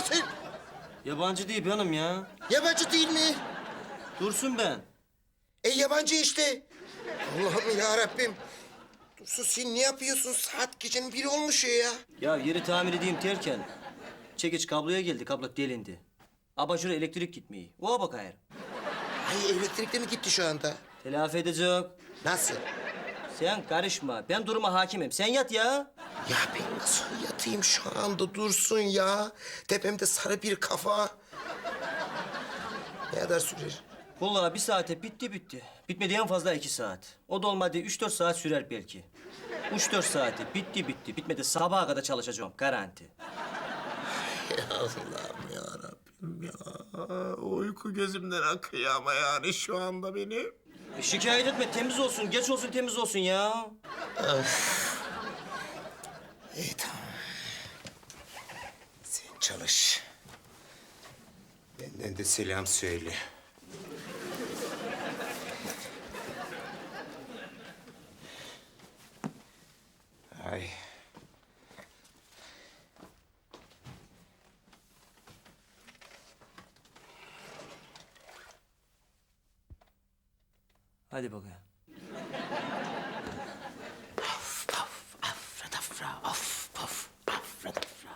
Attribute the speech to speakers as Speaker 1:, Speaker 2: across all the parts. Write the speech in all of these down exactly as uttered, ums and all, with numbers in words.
Speaker 1: sen?
Speaker 2: Yabancı değil hanım ya.
Speaker 1: Yabancı değil mi?
Speaker 2: Dursun ben.
Speaker 1: E yabancı işte. Allah'ım ya Rabbim. Dursun sen ne yapıyorsun? Saat gecenin biri olmuş ya.
Speaker 2: Ya yeri tamir edeyim derken çekiç kabloya geldi, kablo delindi. Abajura elektrik gitmiyor. Oha bak hayır.
Speaker 1: Ay elektrik de mi gitti şu anda?
Speaker 2: Telafi edecek.
Speaker 1: Nasıl?
Speaker 2: Sen karışma. Ben duruma hakimim. Sen yat ya.
Speaker 1: Ya ben nasıl yatayım şu anda Dursun ya? Tepemde sarı bir kafa. Ne kadar sürer?
Speaker 2: Vallahi bir saate bitti bitti. Bitmedi en fazla iki saat. O da olmadı üç dört saat sürer belki. Üç dört saati bitti bitti. Bitmedi sabaha kadar çalışacağım garanti.
Speaker 1: Ya Allah'ım ya Rabbim ya. Uyku gözümden akıyor ama yani şu anda benim.
Speaker 2: E, şikayet etme temiz olsun. Geç olsun temiz olsun ya.
Speaker 1: İyi tamam. Sen çalış. Benden de selam söyle. Ay.
Speaker 2: Hadi bakayım.
Speaker 1: Paf paf afradafra of paf afradafra.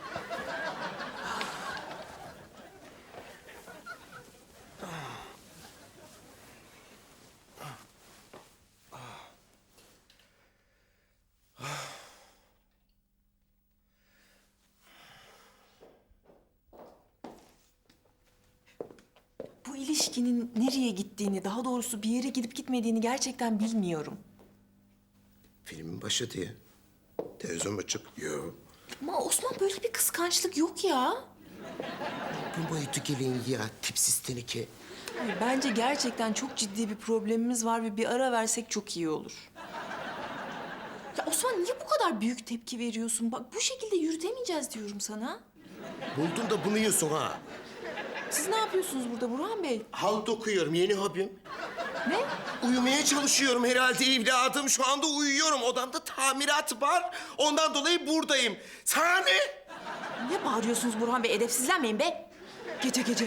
Speaker 3: Bu ilişkinin nereye gittiğini, daha doğrusu bir yere gidip gitmediğini gerçekten bilmiyorum.
Speaker 1: Filmin başı diye. Televizyon açık. Yok.
Speaker 3: Ama Osman böyle bir kıskançlık yok ya.
Speaker 1: Bu boyutu gelin ya tipsiz teneke.
Speaker 3: Hayır, bence gerçekten çok ciddi bir problemimiz var ve bir ara versek çok iyi olur. Ya Osman niye bu kadar büyük tepki veriyorsun? Bak bu şekilde yürütemeyeceğiz diyorum sana.
Speaker 1: Buldun da bunu yiyorsun ha.
Speaker 3: Siz ne yapıyorsunuz burada Burhan Bey?
Speaker 1: Halt okuyorum yeni hobim.
Speaker 3: Ne?
Speaker 1: Uyumaya çalışıyorum herhalde evladım. Şu anda uyuyorum. Odamda tamirat var. Ondan dolayı buradayım. Sana ne?
Speaker 3: Ne bağırıyorsunuz Burhan Bey? Edepsizlenmeyin be. Gece gece.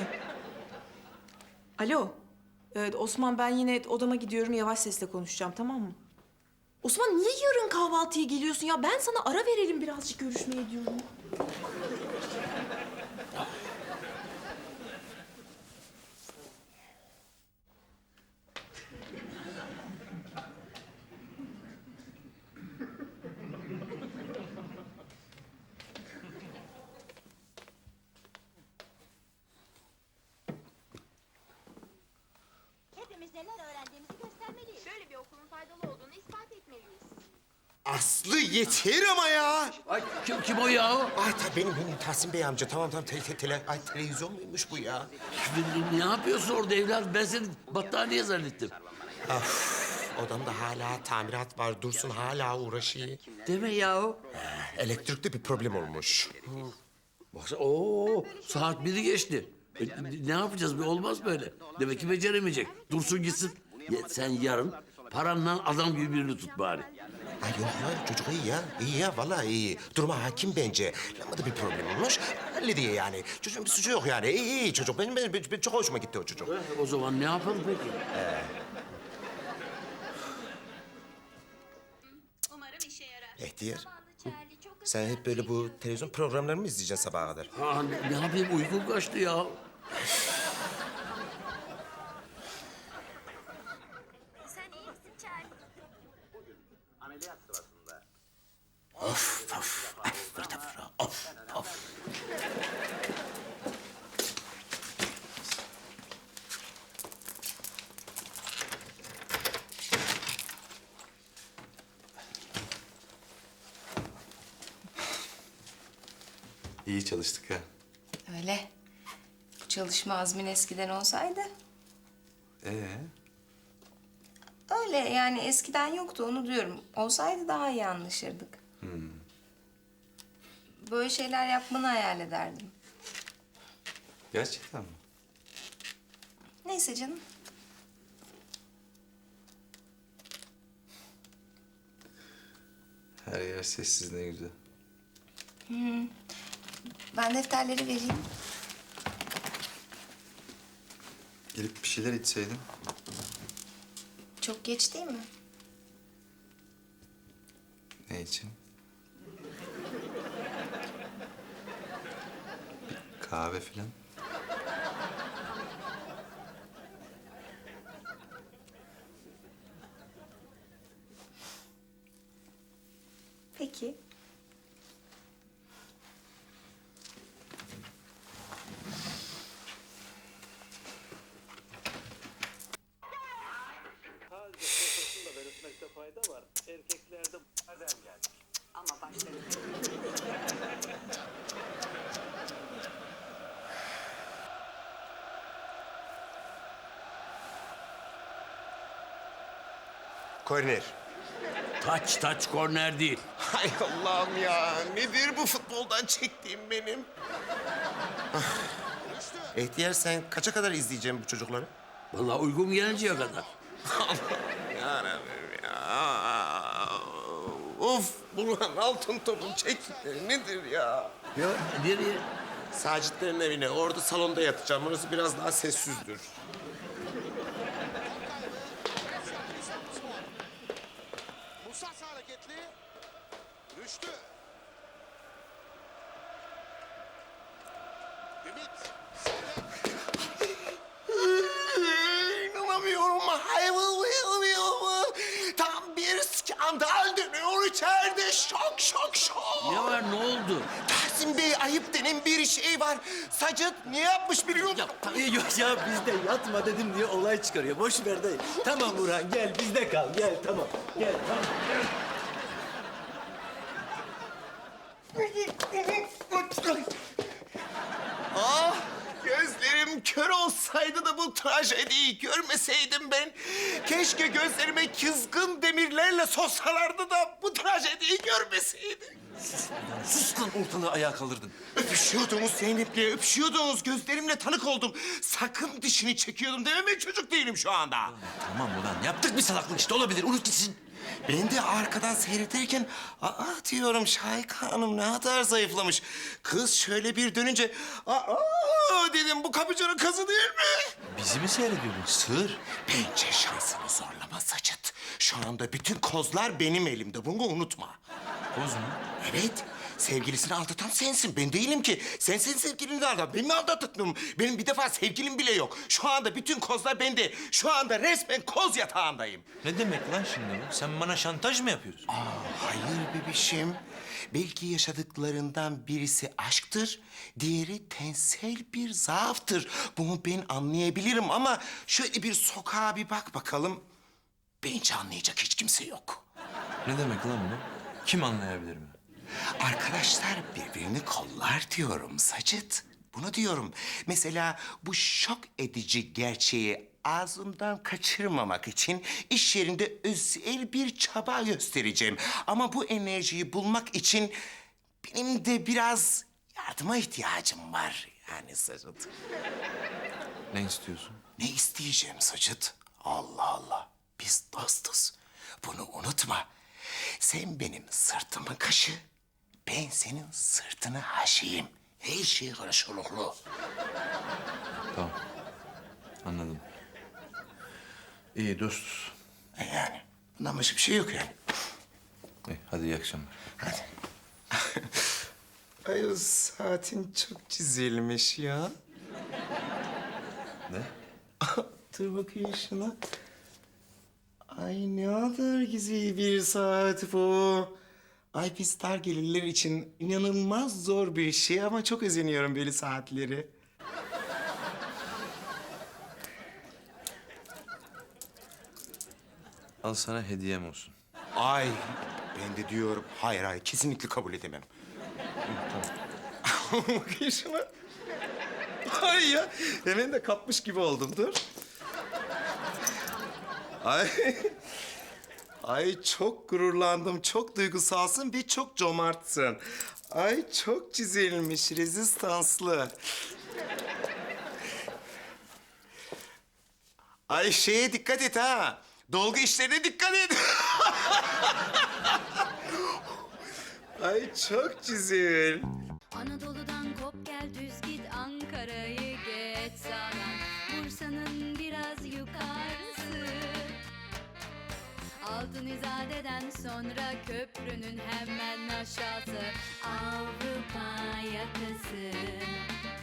Speaker 3: Alo. Evet, Osman ben yine odama gidiyorum. Yavaş sesle konuşacağım tamam mı? Osman niye yarın kahvaltıya geliyorsun ya? Ben sana ara verelim birazcık görüşmeye diyorum.
Speaker 4: Hepimiz neler öğrendiğimizi göstermeliyiz. Böyle bir okulun faydalı olduğunu ispat etmeliyiz.
Speaker 1: Aslı yeter ama ya.
Speaker 5: Ay kim, kim o ya?
Speaker 1: Ay tabii benim, benim Tahsin Bey amca. Tamam tamam tele, tele, tele, ay, televizyon muymuş bu ya?
Speaker 5: Ne, ne yapıyorsun orada evladım? Ben seni battaniye zannettim.
Speaker 1: Odamda hala tamirat var. Dursun hala uğraşıyor.
Speaker 5: Deme ya.
Speaker 1: Elektrikte bir problem olmuş.
Speaker 5: Baksana, oo, saat biri geçti. E, ne yapacağız? Olmaz böyle. Demek ki beceremeyecek. Dursun gitsin. Ya, sen yarın paranla adam gibi birini tut bari.
Speaker 1: Ay yok ya çocuk iyi ya. İyi ya vallahi iyi. Duruma hakim bence. Lambada bir problem olmuş. Hallediyor yani. Çocuğun bir suçu yok yani. İyi iyi çocuk. Benim, benim, benim çok hoşuma gitti o çocuk.
Speaker 5: E, o zaman ne yapalım peki?
Speaker 4: Umarım işe yarar.
Speaker 1: Ehtiyar.
Speaker 4: Zavallı Charlie çok
Speaker 1: Sen hep böyle bu televizyon programlarını mı izleyeceksin sabaha kadar?
Speaker 5: Ha, ne, ne yapayım? Uykum kaçtı ya.
Speaker 4: Sen iyi misin Charlie?
Speaker 1: Of of. Of of of.
Speaker 6: İyi çalıştık ha.
Speaker 7: Öyle. Bu çalışma azmin eskiden olsaydı.
Speaker 6: Ee,
Speaker 7: Öyle yani eskiden yoktu onu diyorum. Olsaydı daha iyi anlaşırdık. Böyle şeyler yapmanı hayal ederdim.
Speaker 6: gerçekten mi?
Speaker 7: Neyse canım.
Speaker 6: Her yer sessiz ne güzel.
Speaker 7: Ben defterleri vereyim.
Speaker 6: Gelip bir şeyler içseydim.
Speaker 7: Çok geç değil mi?
Speaker 6: Ne için? Bir kahve filan.
Speaker 7: Peki.
Speaker 1: Korner.
Speaker 5: Taç taç korner değil.
Speaker 1: Hay Allah'ım ya. Nedir bu futboldan çektiğim benim? Ah. Ehtiyar sen kaça kadar izleyeceğim bu çocukları?
Speaker 5: Vallahi uygun gelinceye kadar.
Speaker 1: Yarabbim ya. Of Burhan altın topun çektikleri nedir ya?
Speaker 5: Ya nereye?
Speaker 1: Sacitlerin evine. Orada salonda yatacağım. Orası biraz daha sessizdir.
Speaker 8: Musas hareketli. Rüştü. Ümit.
Speaker 1: İnanamıyorum. Hayır, tam bir skandal dönüyor içeride. Şok, şok, şok.
Speaker 5: Ne var, ne oldu?
Speaker 1: Tahsin Bey ayıp denen bir şey var. Sacıt ne yapmış biliyor musun?
Speaker 2: Yok ya bizde yatma dedim diye olay çıkarıyor. Boş ver dayı. Tamam Burhan gel bizde kal gel tamam. Gel tamam.
Speaker 1: Ah, gözlerim kör olsaydı da bu trajediyi görmeseydim ben. Keşke gözlerime kızgın demirlerle sossalardı da bu trajediyi görmeseydim.
Speaker 6: Sus lan, ortalığı ayağa kaldırdın.
Speaker 1: Öpüşüyordunuz Zeynep'le, öpüşüyordunuz. Gözlerimle tanık oldum. Sakın dişini çekiyordum dememe çocuk değilim şu anda.
Speaker 6: Tamam ulan, yaptık bir salaklık işte, olabilir. Unut gitsin.
Speaker 1: Ben de arkadan seyrederken, aa diyorum Şahika Hanım ne kadar zayıflamış. Kız şöyle bir dönünce, aa dedim bu kapıcının kızı değil mi?
Speaker 6: Bizi mi seyrediyordun? Sığır.
Speaker 1: Bence şansını zorlama Sacıt. Şu anda bütün kozlar benim elimde. Bunu unutma.
Speaker 6: Koz mu?
Speaker 1: Evet. Sevgilisini aldatan sensin. Ben değilim ki. Sensin sevgilini aldatan. Ben mi aldattım? Benim bir defa sevgilim bile yok. Şu anda bütün kozlar bende. Şu anda resmen koz yatağındayım.
Speaker 6: Ne demek lan şimdi bu? Sen bana şantaj mı yapıyorsun?
Speaker 1: Hayır bebişim. Belki yaşadıklarından birisi aşktır, diğeri tensel bir zaaftır. Bunu ben anlayabilirim ama şöyle bir sokağa bir bak bakalım. Bence anlayacak hiç kimse yok.
Speaker 6: Ne demek lan bu? Kim anlayabilir mi?
Speaker 1: Arkadaşlar birbirini kollar diyorum Sacıt. Bunu diyorum. Mesela bu şok edici gerçeği ağzımdan kaçırmamak için iş yerinde özel bir çaba göstereceğim. Ama bu enerjiyi bulmak için benim de biraz yardıma ihtiyacım var. Yani Sacıt.
Speaker 6: Ne istiyorsun?
Speaker 1: Ne isteyeceğim Sacıt? Allah Allah. Biz dostuz. Bunu unutma. Sen benim sırtımı kaşı, ben senin sırtını haşiyim. Her şey karşılıklı.
Speaker 6: Tamam. Anladım. İyi dostuz.
Speaker 1: E Yani bundan başka bir şey yok yani.
Speaker 6: İyi, hadi iyi akşamlar.
Speaker 1: Hadi. Ay o saatin çok çizilmiş ya.
Speaker 6: Ne?
Speaker 1: Dur bakayım şuna. Ay ne kadar güzel bir saat bu. Ay biz dar gelirler için inanılmaz zor bir şey ama çok özeniyorum böyle saatleri.
Speaker 6: Al sana hediyem olsun.
Speaker 1: Ay ben de diyorum hayır hayır kesinlikle kabul edemem. Tamam. Bakayım şuna. Ay ya hemen de kapmış gibi oldum dur. Ay. Ay çok gururlandım, çok duygusalsın ve çok cömertsin. Ay çok çizilmiş, rezistanslı. Ay şeye dikkat et ha. Dolgu işlerine dikkat et. Ay çok güzel.
Speaker 9: Anadolu'dan gel düz git Ankara'yı geç sağdan, Bursa'nın biraz yukarısı. Altın İzade'den sonra köprünün hemen aşağısı Avrupa yakası.